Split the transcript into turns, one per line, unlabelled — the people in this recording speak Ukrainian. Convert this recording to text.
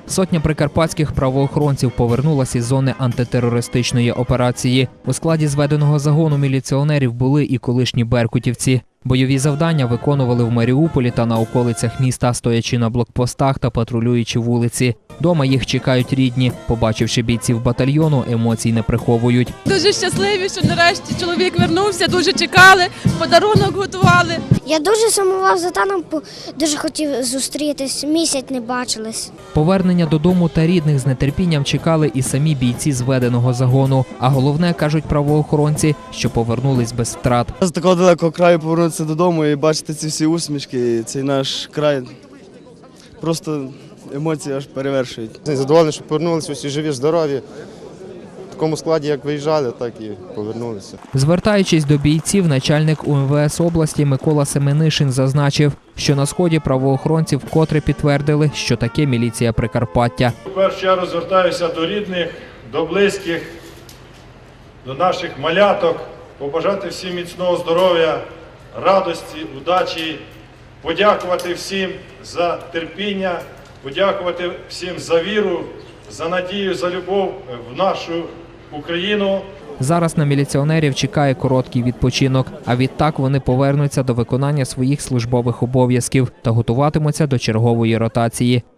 Сотня прикарпатських правоохоронців повернулася із зони антитерористичної операції. У складі зведеного загону міліціонерів були і колишні беркутівці. Бойові завдання виконували в Маріуполі та на околицях міста, стоячи на блокпостах та патрулюючи вулиці. Дома їх чекають рідні. Побачивши бійців батальйону, емоцій не приховують.
Дуже щасливі, що нарешті чоловік вернувся, дуже чекали, подарунок готували.
Я дуже сумував за таном, дуже хотів зустрітись, місяць не бачились.
Повернення додому та рідних з нетерпінням чекали і самі бійці зведеного загону. А головне, кажуть правоохоронці, що повернулись без втрат.
З такого далекого краю повернутися додому і бачити ці всі усмішки, цей наш край, просто емоції аж перевершують.
Задоволений, що повернулися усі живі, здорові. В такому складі, як виїжджали, так і повернулися.
Звертаючись до бійців, начальник УМВС області Микола Семенишин зазначив, що на сході правоохоронці вкотре підтвердили, що таке міліція Прикарпаття.
В першу чергу звертаюся до рідних, до близьких, до наших маляток, побажати всім міцного здоров'я, радості, удачі, подякувати всім за терпіння, подякувати всім за віру, за надію, за любов в нашу Україну.
Зараз на міліціонерів чекає короткий відпочинок, а відтак вони повернуться до виконання своїх службових обов'язків та готуватимуться до чергової ротації.